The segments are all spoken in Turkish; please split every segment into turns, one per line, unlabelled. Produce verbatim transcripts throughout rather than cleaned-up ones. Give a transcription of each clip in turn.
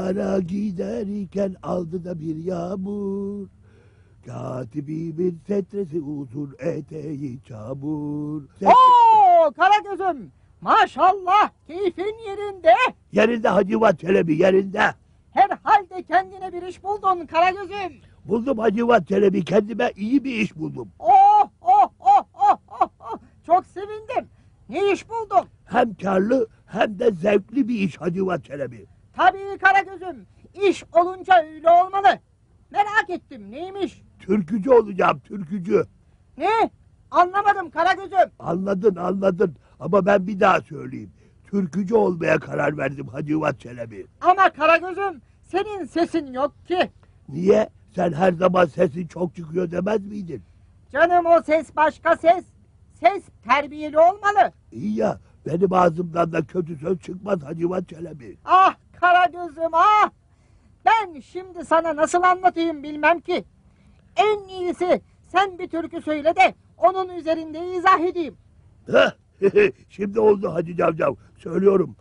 Üsküdar'a giderken aldı da bir yağmur. Katibimin setresi uzun, eteği çamur. Set...
Oo Karagöz'üm, maşallah keyfin yerinde.
Yerinde Hacivat Çelebi, yerinde.
Herhalde kendine bir iş buldun Karagöz'üm.
Buldum Hacivat Çelebi, kendime iyi bir iş buldum.
Oh oh oh oh oh oh. Çok sevindim. Ne iş buldun?
Hem karlı hem de zevkli bir iş Hacivat Çelebi.
Tabii Karagöz'üm, iş olunca öyle olmalı. Merak ettim, neymiş?
Türkücü olacağım, türkücü.
Ne? Anlamadım Karagöz'üm.
Anladın anladın ama ben bir daha söyleyeyim. Türkücü olmaya karar verdim Hacivat Çelebi.
Ama Karagöz'üm, senin sesin yok ki.
Niye? Sen her zaman sesin çok çıkıyor demez miydin?
Canım o ses başka ses. Ses terbiyeli olmalı.
İyi ya, benim ağzımdan da kötü söz çıkmaz Hacivat Çelebi.
Ah Karagöz'üm ah! Ben şimdi sana nasıl anlatayım bilmem ki. En iyisi sen bir türkü söyle de onun üzerinde izah edeyim.
Heh, şimdi oldu Hacı Cavcav. Söylüyorum.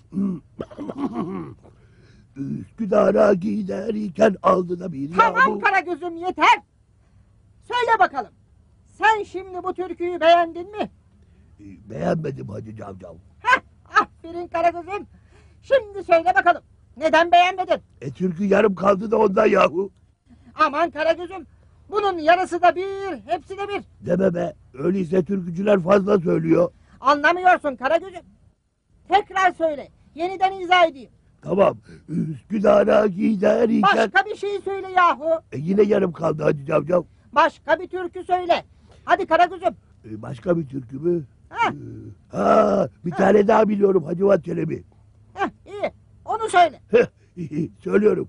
Üsküdar'a giderken aldı da bir
Tamam
yağmur.
Karagöz'üm yeter. Söyle bakalım. Sen şimdi bu türküyü beğendin mi?
Beğenmedim Hacı Cavcav.
Heh, aferin Karagöz'üm. Şimdi söyle bakalım. Neden beğenmedin?
E türkü yarım kaldı da ondan yahu.
Aman Karagöz'üm. Bunun yarısı da bir, hepsi de bir.
Deme be. Öyleyse türkücüler fazla söylüyor.
Anlamıyorsun Karagöz'üm. Tekrar söyle. Yeniden izah edeyim.
Tamam. Üsküdar'a giderken...
Başka bir şey söyle yahu.
E yine yarım kaldı Hacı Cavcav.
Başka bir türkü söyle. Hadi Karagöz'üm.
E başka bir türkü mü?
Heh.
E, ha, bir tane daha biliyorum Hacivat Çelebi.
Heh, iyi. Onu söyle.
Söylüyorum.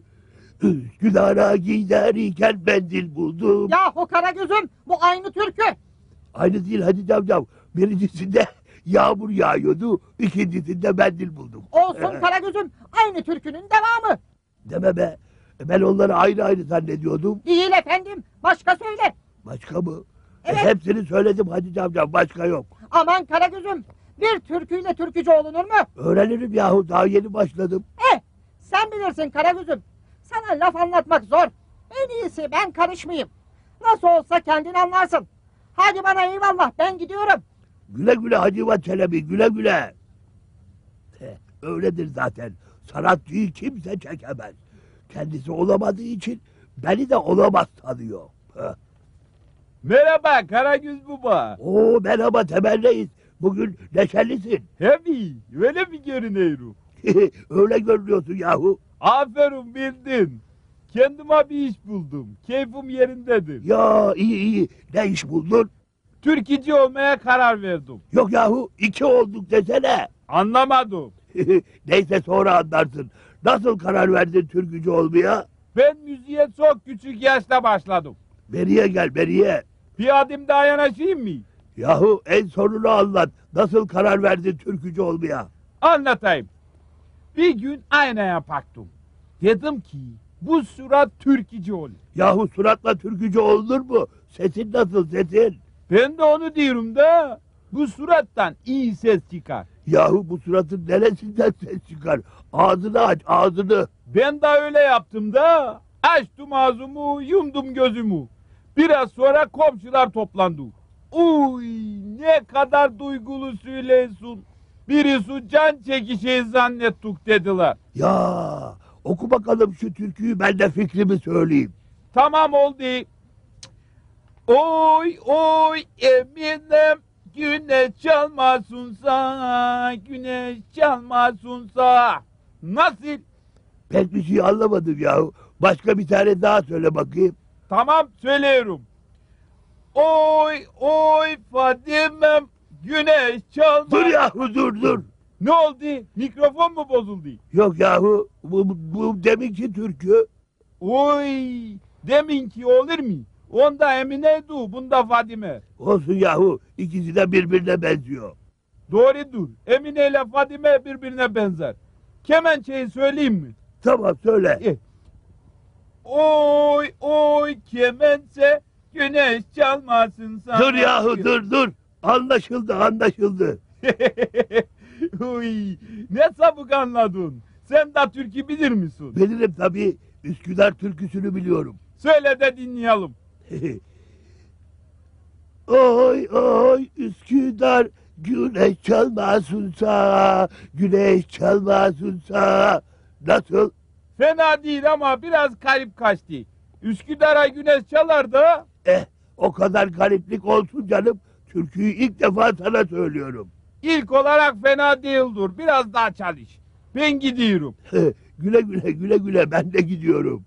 Üsküdar'a giderken mendil buldum.
Yahu Karagöz'üm bu aynı türkü.
Aynı değil Hacı Cavcav. Birincisinde yağmur yağıyordu, ikincisinde mendil buldum.
Olsun Karagöz'üm aynı türkünün devamı.
Deme be. E ben onları ayrı ayrı zannediyordum.
Değil efendim. Başka söyle.
Başka mı?
Evet.
E hepsini söyledim Hacı Cavcav. Başka yok.
Aman Karagöz'üm. Bir türküyle türkücü olunur mu?
Öğrenirim yahu. Daha yeni başladım.
Eh sen bilirsin Karagöz'üm. Sana laf anlatmak zor. En iyisi ben karışmayayım. Nasıl olsa kendin anlarsın. Hadi bana eyvallah ben gidiyorum.
Güle güle Hacivat Çelebi. Güle güle. Heh, öyledir zaten. Sanatçıyı kimse çekemez. Kendisi olamadığı için beni de olamaz sanıyor. Heh.
Merhaba Karagöz Baba.
Oo merhaba Temel Reis. Bugün neşelisin.
Hebi, öyle mi görünüyorum?
Öyle görünüyorsun yahu.
Aferin bildin. Kendime bir iş buldum. Keyfim yerindedir.
Ya iyi iyi. Ne iş buldun?
Türkücü olmaya karar verdim.
Yok yahu iki olduk desene.
Anlamadım.
Neyse sonra anlarsın. Nasıl karar verdin türkücü olmaya?
Ben müziğe çok küçük yaşta başladım.
Beriye gel beriye.
Bir adım daha yanaşayım mı?
Yahu en sonunu anlat. Nasıl karar verdin türkücü olmaya?
Anlatayım. Bir gün aynaya baktım. Dedim ki bu surat türkücü olur.
Yahu suratla türkücü olunur mu? Sesin nasıl sesin?
Ben de onu diyorum da bu surattan iyi ses çıkar.
Yahu bu suratın neresinden ses çıkar? Ağzını aç ağzını.
Ben de öyle yaptım da açtım ağzımı yumdum gözümü. Biraz sonra komşular toplandı. Uy ne kadar duygulu söylüyorsun. Birisi can çekişeyi zannettik dediler.
Ya oku bakalım şu türküyü ben de fikrimi söyleyeyim.
Tamam oldu. Oy oy Eminem güneş çalmasınsa güneş çalmasınsa. Nasıl?
Pek bir şey anlamadım yahu. Başka bir tane daha söyle bakayım.
Tamam söylüyorum. Oy oy Fadime'm güneş çalma.
Dur yahu dur dur.
Ne oldu? Mikrofon mu bozuldu?
Yok yahu bu, bu, bu deminki türkü.
Oy deminki olur mu? Onda Emine'ydi, bunda Fadime.
Olsun yahu ikisi de birbirine benziyor.
Doğrudur. Emine ile Fadime birbirine benzer. Kemençeyi söyleyeyim mi?
Tamam söyle.
Eh. Oy oy kemençe güneş çalmasın sana.
Dur yahu dur dur. Anlaşıldı anlaşıldı.
Uy, ne çabuk anladın. Sen de türkü bilir misin?
Bilirim tabii. Üsküdar türküsünü biliyorum.
Söyle de dinleyelim.
Oy oy Üsküdar güneş çalmasın sağa, güneş çalmasın sağa. Nasıl?
Fena değil ama biraz garip kaçtı. Üsküdar'a güneş çalar da.
Eh, o kadar gariplik olsun canım. Türküyü ilk defa sana söylüyorum.
İlk olarak fena değildir. Biraz daha çalış. Ben gidiyorum.
Güle güle güle güle ben de gidiyorum.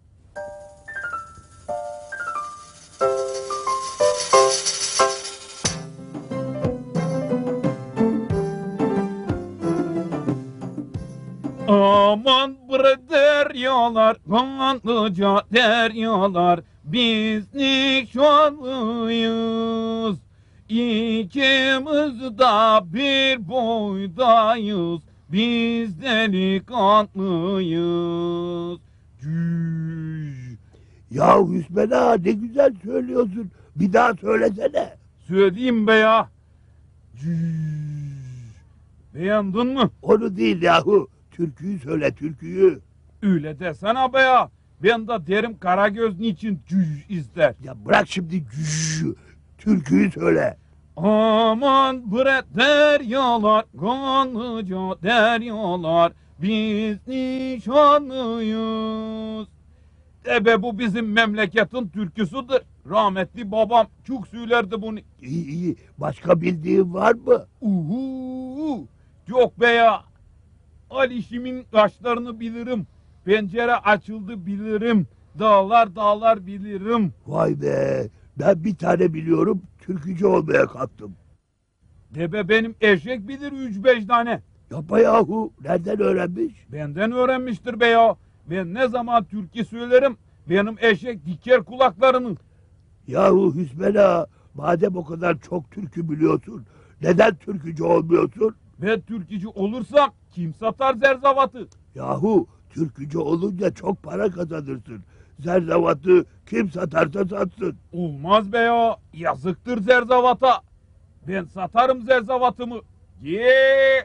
Aman bre deryalar, kanlıca deryalar, biz nişanlıyız. İkimiz de bir boydayız, biz delikanlıyız. Cüş.
Ya Hüsmen ağa ne güzel söylüyorsun. Bir daha söylesene.
Söyleyeyim be ya. Cüş. Beğendin mi?
Onu değil yahu. Türküyü söyle türküyü.
Öyle desene be ya. Ben de derim Karagöz niçin cüş ister.
Ya bırak şimdi cüş. Türküyü söyle.
Aman bre deryalar, kanlıca deryalar, biz nişanlıyız. Ebe bu bizim memleketin türküsüdür. Rahmetli babam çok söylerdi bunu.
İyi iyi. Başka bildiğin var mı?
Uhu, yok be ya. Ali Şim'in kaşlarını bilirim. Pencere açıldı bilirim. Dağlar dağlar bilirim.
Vay be. Ben bir tane biliyorum. Türkücü olmaya kalktım.
Debe benim eşek bilir üç beş tane.
Yapma yahu. Nereden öğrenmiş?
Benden öğrenmiştir be ya. Ben ne zaman türkü söylerim benim eşek diker kulaklarını.
Yahu Hüsmen ağa. Madem o kadar çok türkü biliyorsun. Neden türkücü olmuyorsun?
Ben türkücü olursam kim satar zerzavatı?
Yahu türkücü olunca çok para kazanırsın. Zerzavatı kim satarsa satsın.
Olmaz be ya. Yazıktır zerzavata. Ben satarım zerzavatımı. Ye.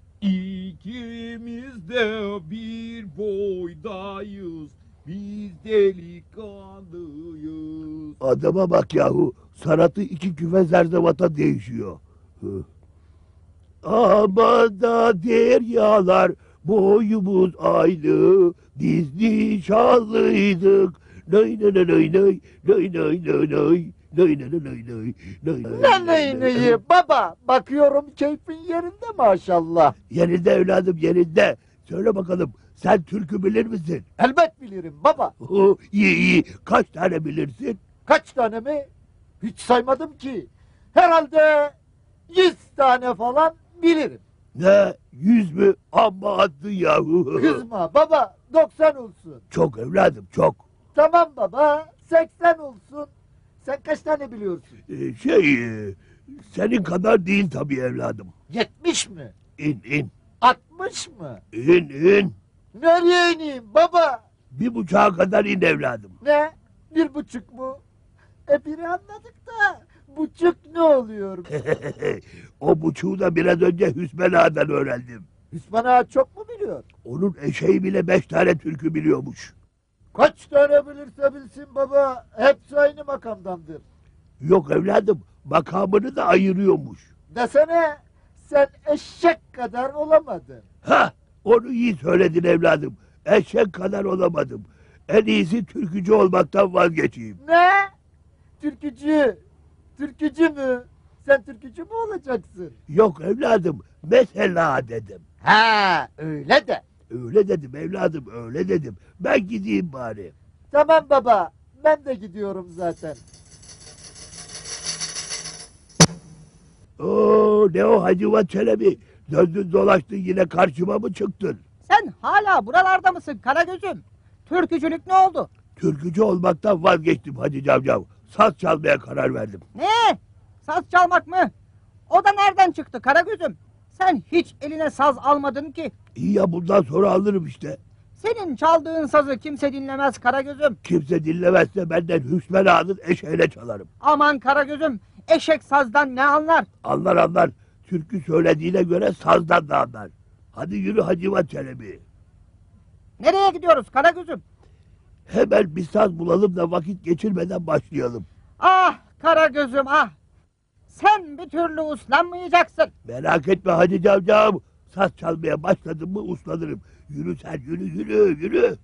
İkimiz de bir boydayız. Biz delikanlıyız.
Adama bak yahu. Sanatı iki küfe zerzavata değişiyor. Hı. Aman da deryalar boyumuz aynı. Biz nişanlıydık. Nay nay nay nay nay nay nay nay nay. Nay nay nay nay nay nay
Ne neyi neyi baba, bakıyorum keyfin yerinde maşallah.
Yerinde evladım yerinde. Söyle bakalım sen türkü bilir misin?
Elbet bilirim baba.
Oh, iyi iyi. Kaç tane bilirsin?
Kaç tane mi? Hiç saymadım ki. Herhalde yüz tane falan bilirim.
Ne? Yüz mü? Amma attın yahu.
Kızma baba, doksan olsun.
Çok evladım çok.
Tamam baba, seksen olsun. Sen kaç tane biliyorsun?
Ee, şey e, senin kadar değil tabii evladım.
Yetmiş mi?
İn in.
Altmış mı?
İn in.
Nereye ineyim baba?
Bir buçuğa kadar in evladım.
Ne? Bir buçuk mu? E biri anladık da buçuk ne oluyor?
O buçuğu da biraz önce Hüsmen Ağa'dan öğrendim.
Hüsmen Ağa çok mu biliyor?
Onun eşeği bile beş tane türkü biliyormuş.
Kaç tane bilirse bilsin baba, hepsi aynı makamdandır.
Yok evladım, makamını da ayırıyormuş.
Desene, sen eşek kadar olamadın.
Ha, onu iyi söyledin evladım. Eşek kadar olamadım. En iyisi türkücü olmaktan vazgeçeyim.
Ne? Türkücü. Türkücü mü? Sen türkücü mü olacaksın?
Yok evladım, mesela dedim.
Ha, öyle de.
Öyle dedim evladım, öyle dedim. Ben gideyim bari.
Tamam baba, ben de gidiyorum zaten.
Oo, ne o Hacıvat Çelebi? Döndün dolaştın yine karşıma mı çıktın?
Sen hala buralarda mısın Karagöz'üm? Türkücülük ne oldu?
Türkücü olmaktan vazgeçtim Hacı Cavcav. Saz çalmaya karar verdim.
Ne? Saz çalmak mı? O da nereden çıktı Karagöz'üm? Sen hiç eline saz almadın ki.
İyi ya bundan sonra alırım işte.
Senin çaldığın sazı kimse dinlemez Karagöz'üm.
Kimse dinlemezse benden Hüsmen Ağa'nın eşeğine çalarım.
Aman Karagöz'üm, eşek sazdan ne anlar?
Anlar anlar. Türkü söylediğine göre sazdan da anlar. Hadi yürü Hacıvat Çelebi.
Nereye gidiyoruz Karagöz'üm?
Hemen bir saz bulalım da vakit geçirmeden başlayalım.
Ah Karagöz'üm ah. Sen bir türlü uslanmayacaksın.
Merak etme Hacı Cavcav. Saz çalmaya başladım mı uslanırım. Yürü sen yürü yürü yürü.